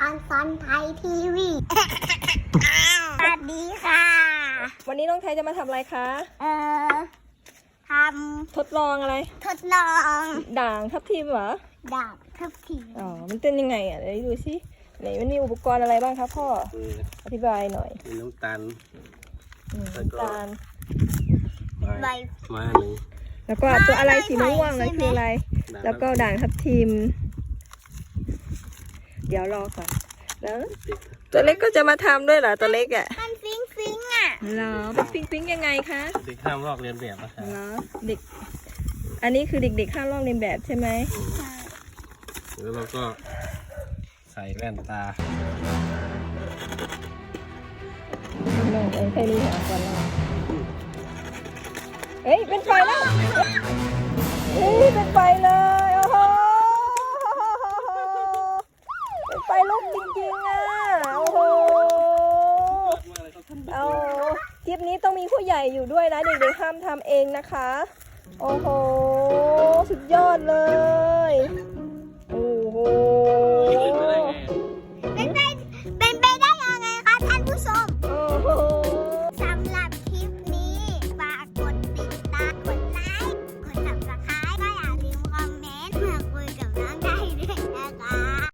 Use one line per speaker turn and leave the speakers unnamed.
ซันไทยทีวีสวัสดีค่ะ
วันนี้น้องไทยจะมาทำอะไรคะ
ท
ทดลองอะไร
ทดลอง
ด่างทับทิมเหรอ
ดาบทับทิม
อ๋อมันเป็นยังไงอ่ะเดี๋ยวดูสิไหนมันมีอุปกรณ์อะไรบ้างครับพ่ออธิบายหน่อย
มีน้ำตาล
น้ำตาล
ใบ
มาหนึ่ง
แล้วก็ตัวอะไรสีม่วงนั่นคืออะไรแล้วก็ด่างทับทิมเดี๋ยวรอก่อนแล้วตัวเล็กก็จะมาทำด้วยเหรอตัวเล็กอ่ะ
มันฟิงฟิงอ่ะ
เหรอเป็นฟิงฟิงยังไงคะ
เด็กห้ามลอกเลียนแบบนะครับ
เหรอเด็กอันนี้คือเด็กๆห้ามลอกเลียนแบบใช่ไหม
แล้วเราก็ใส่แว่นตา
ลองแค่นี้หาก่อนลองเฮ้ยเป็นไฟแล้วเฮ้ยเป็นไฟเลยโอ้โหเป็นไฟลุกจริงๆอ่ะโอ้โหเอาคลิปนี้ต้องมีผู้ใหญ่อยู่ด้วยนะเด็กๆห้ามทำเองนะคะโอ้โหสุดยอดเลยโอ้โห